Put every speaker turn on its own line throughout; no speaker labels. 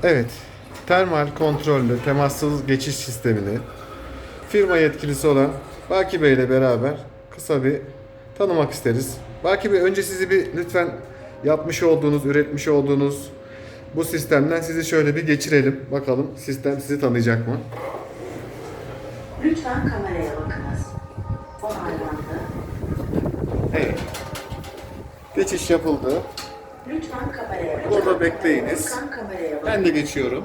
Evet, termal kontrollü temassız geçiş sistemini firma yetkilisi olan Baki Bey ile beraber kısa bir tanımak isteriz. Baki Bey, önce sizi bir lütfen yapmış olduğunuz, üretmiş olduğunuz bu sistemden sizi şöyle bir geçirelim. Bakalım sistem sizi tanıyacak mı?
Lütfen kameraya bakınız. Onaylandı.
Evet. Geçiş yapıldı.
Lütfen kameraya bakınız.
Burada bekleyiniz.
Lütfen kameraya bakınız.
Ben de geçiyorum.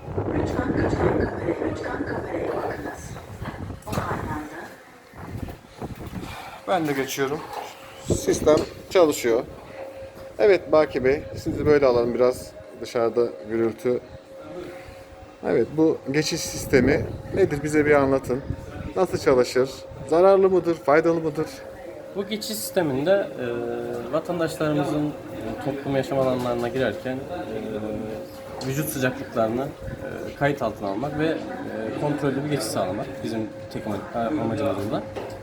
Lütfen kameraya bakınız. Onaylandı.
Ben de geçiyorum. Sistem çalışıyor. Evet Baki Bey, sizi böyle alalım, biraz dışarıda gürültü. Evet, bu geçiş sistemi nedir, bize bir anlatın. Nasıl çalışır? Zararlı mıdır, faydalı mıdır?
Bu geçiş sisteminde vatandaşlarımızın toplum yaşam alanlarına girerken vücut sıcaklıklarını kayıt altına almak ve kontrollü bir geçiş sağlamak bizim tek amacımız burada.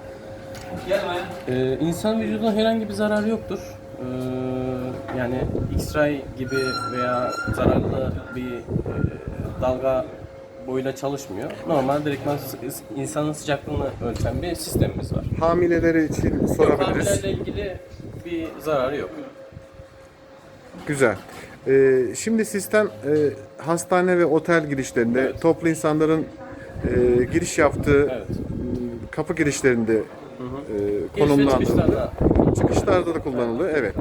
İnsan vücuduna herhangi bir zararı yoktur. Yani X-ray gibi veya zararlı bir dalga boyuyla çalışmıyor. Normal direktman insanın sıcaklığını ölçen bir sistemimiz var.
Hamileleri için sorabiliriz.
Hamilelerle ilgili bir zararı yok.
Güzel. Şimdi sistem hastane ve otel girişlerinde,
Evet.
toplu insanların giriş yaptığı
Evet.
kapı girişlerinde
Giriş ve
konumlandırılıyor.
çıkışlarda
Çıkışlarda da kullanılıyor. Evet.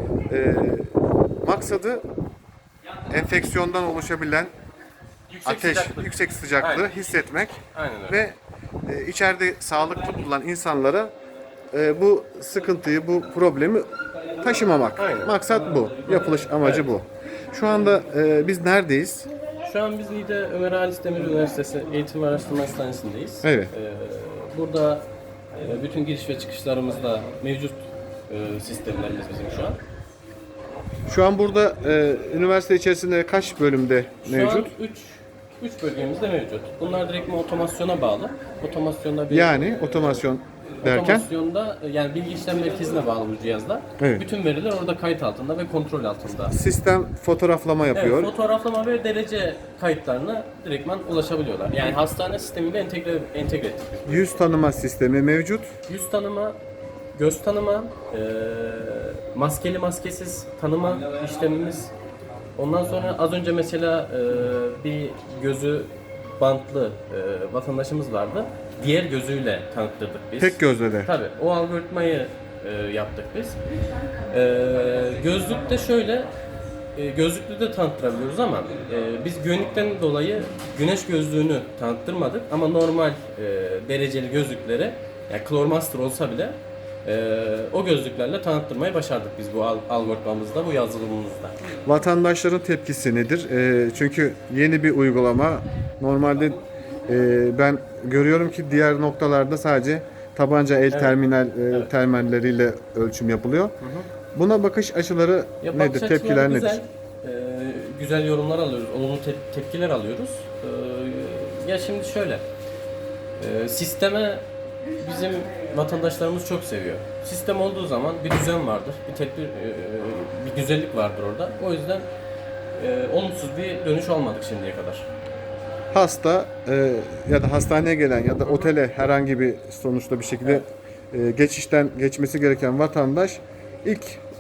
Maksadı enfeksiyondan oluşabilen
yüksek
ateş,
sıcaklık.
yüksek sıcaklığı
Aynen.
hissetmek
Aynen öyle.
ve içeride sağlıklı bulunan insanlara bu sıkıntıyı, bu problemi taşımamak.
Aynen.
Maksat bu. Yapılış amacı bu. Şu anda biz neredeyiz?
Şu an biz Niğde Ömer Halis Demir Üniversitesi Eğitim ve Araştırma Hastanesi'ndeyiz.
Evet.
Burada bütün giriş ve çıkışlarımızda mevcut sistemlerimiz bizim şu an.
Şu an burada üniversite içerisinde kaç bölümde mevcut?
Şu an 3 bölgemizde mevcut. Bunlar direktman otomasyona bağlı. Otomasyonda bir
Yani otomasyon derken?
otomasyonda yani bilgi işlem merkezine bağlı bu cihazlar.
Evet.
Bütün veriler orada kayıt altında ve kontrol altında.
Sistem fotoğraflama yapıyor.
Evet, fotoğraflama ve derece kayıtlarına direktman ulaşabiliyorlar. Yani hastane sistemiyle entegre ettik.
Yüz tanıma sistemi mevcut.
Yüz tanıma, göz tanıma, maskeli maskesiz tanıma işlemimiz. Ondan sonra az önce mesela bir gözü bantlı vatandaşımız vardı. Diğer gözüyle tanıttırdık biz.
Tek gözle de.
Tabii o algoritmayı yaptık biz. Gözlükte şöyle, gözlüklü de tanıttırabiliyoruz ama biz güvenlikten dolayı güneş gözlüğünü tanıttırmadık ama normal dereceli gözlükleri, yani Clormaster olsa bile o gözlüklerle tanıttırmayı başardık biz bu algoritmamızda, bu yazılımımızda.
Vatandaşların tepkisi nedir? Çünkü yeni bir uygulama. Normalde ben görüyorum ki diğer noktalarda sadece tabanca el terminalleriyle ölçüm yapılıyor. Buna bakış açıları
Ya
nedir?
bakış
Tepkiler
açıları
nedir?
Güzel yorumlar alıyoruz, olumlu tepkiler alıyoruz. Ya şimdi şöyle, sisteme bizim vatandaşlarımız çok seviyor. Sistem olduğu zaman bir düzen vardır, bir tedbir, bir güzellik vardır orada. O yüzden olumsuz bir dönüş olmadık şimdiye kadar.
Hasta ya da hastaneye gelen ya da otele herhangi bir sonuçta bir şekilde geçişten geçmesi gereken vatandaş ilk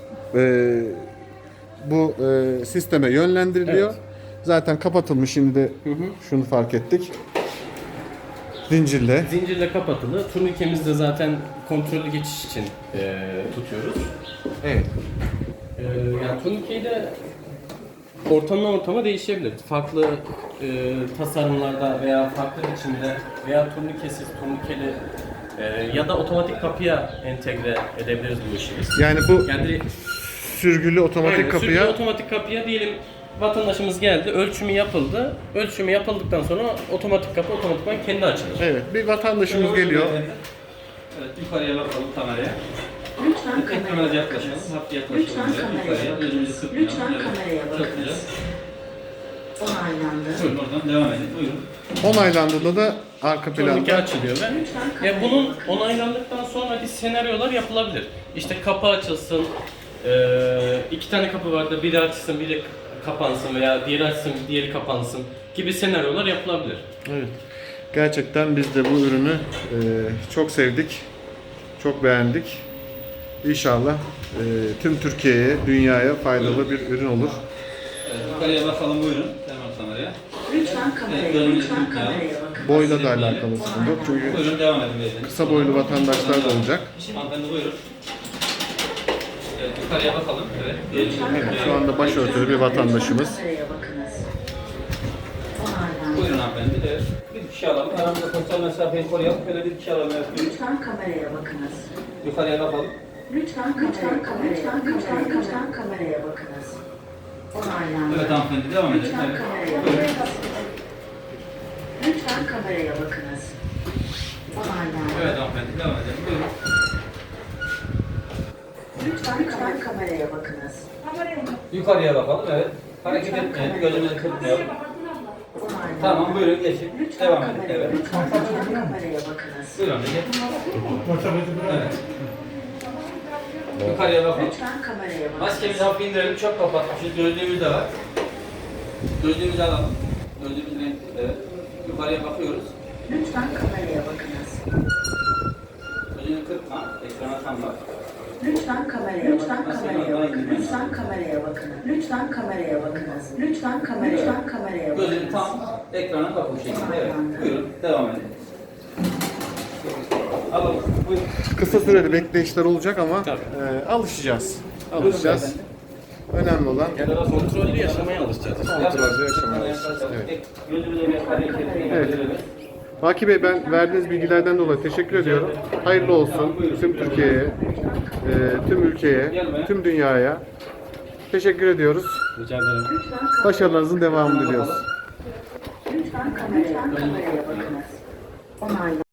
bu sisteme yönlendiriliyor.
Evet.
Zaten kapatılmış, şimdi de şunu fark ettik. Zincirle.
Zincirle kapatılı. Turnikemizi de zaten kontrollü geçiş için tutuyoruz.
Evet.
Yani turnikeyi de ortamdan ortama değişebilir. Farklı tasarımlarda veya farklı biçimde veya turnikesiz, turnikeli ya da otomatik kapıya entegre edebiliriz bu işi biz.
Yani bu
Yani
sürgülü otomatik
aynen,
kapıya
sürgülü otomatik kapıya diyelim vatandaşımız geldi, ölçümü yapıldı. Ölçümü yapıldıktan sonra otomatik kapı otomatikman kendi açılır.
evet, bir vatandaşımız geliyor.
Evet, yukarıya bakalım kameraya.
Lütfen
Biraz
kameraya
yaklaşalım,
bakınız.
hafif yaklaşalım.
Lütfen kameraya
Yukarıya, gözümüzü
bakınız.
kırpmayalım.
Lütfen
Evet,
kameraya
çok güzel.
bakınız. Onaylandı.
Buyurun oradan devam edin, buyurun.
Onaylandığında da arka
Turnike
planda
açılıyor ve
Lütfen kameraya
ya bunun onaylandıktan sonra bir senaryolar yapılabilir. İşte kapı açılsın, 2 tane kapı vardı, biri açılsın, biri kapansın veya diğeri açsın, diğeri kapansın gibi senaryolar yapılabilir.
Evet. Gerçekten biz de bu ürünü çok sevdik. Çok beğendik. İnşallah tüm Türkiye'ye, dünyaya faydalı bir ürün olur.
Evet, yukarıya bakalım buyurun. Hemen kameraya.
Lütfen kameraya,
Evet, gözünüzü
lütfen
tutmayalım.
kameraya bakınız.
Boyla da alakalı sıkıntı yok. Çünkü
Buyurun devam edin beyefendi.
kısa boylu vatandaşlar da olacak.
Hanımefendi buyurun. Evet, yukarıya bakalım. Evet.
Evet, şu anda başörtülü bir vatandaşımız.
Kameraya bakınız. Onaylandı.
Buyurun hanımefendi. Evet. Bir kişi alalım. Aramızda sosyal mesafeyi koruyalım. Böyle bir kişi alalım. Evet, buyurun.
Lütfen kameraya bakınız.
Yukarıya bakalım.
Lütfen kameraya bakınız. Onaylandı.
Evet hanımefendi devam edin.
Lütfen
Evet.
kameraya
Buyurun.
bakınız. Lütfen kameraya bakınız. Onaylandı.
Evet hanımefendi devam edelim. Buyurun.
Lütfen kameraya bakınız.
Yukarıya bakalım. Evet. Hareket etmeyelim. Gözümüzü kırpmayalım.
Onaylandı.
Tamam buyurun geçin.
Lütfen
Devam edin. Evet.
kameraya bakınız.
Buyurun geçin. Evet. Yukarıya bakalım.
Lütfen kameraya bakınız.
Maskemizi hafif indirelim. Çok kapatmışız. Gözlüğümüz de var. Gözlüğümüzü alalım. Gözlüğümüz renkli. Evet. Yukarıya bakıyoruz.
Lütfen kameraya bakınız.
Gözünü kırpma. Ekrana tam bak.
Lütfen kameraya bakınız. Lütfen kameraya bakınız. Lütfen kameraya bakınız. Lütfen kameraya
Gözünü
bakınız.
tam ekrana bak bu şekilde. Evet. Buyurun. Devam edin. Alalım. Buyurun.
Kısa süreli bekleyişler olacak ama
Tabii.
alışacağız. Alışacağız. Önemli olan
Kontrollü yaşamaya alışacağız.
kontrollü yaşamayı. Evet.
Gözümüzü bir hareket
Evet. Baki Bey, ben verdiğiniz bilgilerden dolayı teşekkür ediyorum. Hayırlı olsun tüm Türkiye'ye, tüm ülkeye, tüm dünyaya. Teşekkür ediyoruz.
Rica ederim.
Başarılarınızın devamını diliyoruz.
Lütfen kameraya bakınız. Onaylandı.